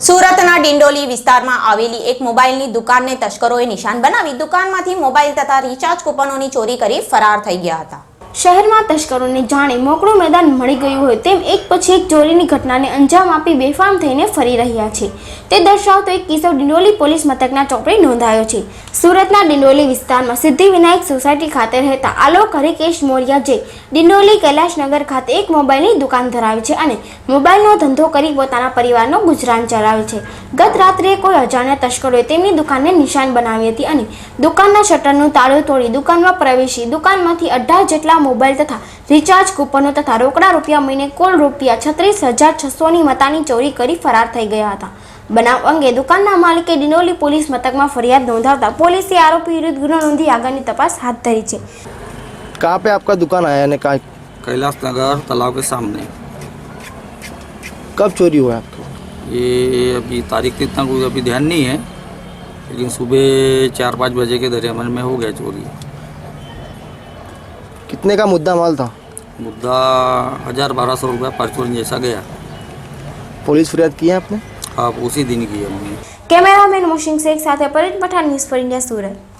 સુરતના ડિંડોલી વિસ્તારમાં આવેલી એક મોબાઈલની દુકાનને તસ્કરોએ નિશાન બનાવી દુકાનમાંથી મોબાઈલ તથા રિચાર્જ કૂપનોની ચોરી કરી ફરાર થઈ ગયા હતા। શહેરમાં તસ્કરોને જાણે મોકળું મેદાન મળી ગયું હોય તેમ એક પછી એક ચોરીની ઘટનાને અંજામ આપી બેફામ થઈને ફરી રહ્યા છે તે દર્શાવતો એક કિસ્સો ડિંડોલી પોલીસ મથકના ચોપડે નોંધાયો છે। સુરતના ડિંડોલી વિસ્તારમાં સિદ્ધિવિનાયક સોસાયટી ખાતે રહેતા આલોક હરિકેશ મોરિયા જે ડિંડોલી કૈલાશનગર ખાતે એક મોબાઈલની દુકાન ધરાવે છે અને મોબાઈલનો ધંધો કરી પોતાના પરિવારનો ગુજરાન ચલાવે છે। ગત રાત્રે કોઈ અજાણ્યા તસ્કરોએ તેમની દુકાનને નિશાન બનાવી હતી અને દુકાનના શટરનું તાળું તોડી દુકાનમાં પ્રવેશી દુકાનમાંથી 18 જેટલા મોબાઈલ તથા રિચાર્જ કૂપનો તથા રોકડા રૂપિયા મહિને કુલ રૂપિયા 36,600ની મતાની ચોરી કરી ફરાર થઈ ગયા હતા। બનાવ અંગે દુકાનના માલિકે ડિંડોલી પોલીસ મથકમાં ફરિયાદ નોંધાવતા પોલીસે આરોપી વિરુદ્ધ ગુનો નોંધી આગળની તપાસ હાથ ધરી છે। कहाँ पे आपका दुकान आया ने कहाँ कैलाश नगर तालाब के सामने। कब चोरी हुआ आपको? ये अभी तारीख इतना कोई अभी ध्यान नहीं है, लेकिन सुबह 4-5 बजे के दरमियान में हो गया चोरी। कितने का मुद्दा माल था? मुद्दा 1,000-1,200 रुपया परचून जैसा गया। पुलिस फरियाद की है आपने? हाँ, उसी दिन की हमने। कैमरामैन मोशिंग शेख साथे Paresh Pathan, news for India, Surat.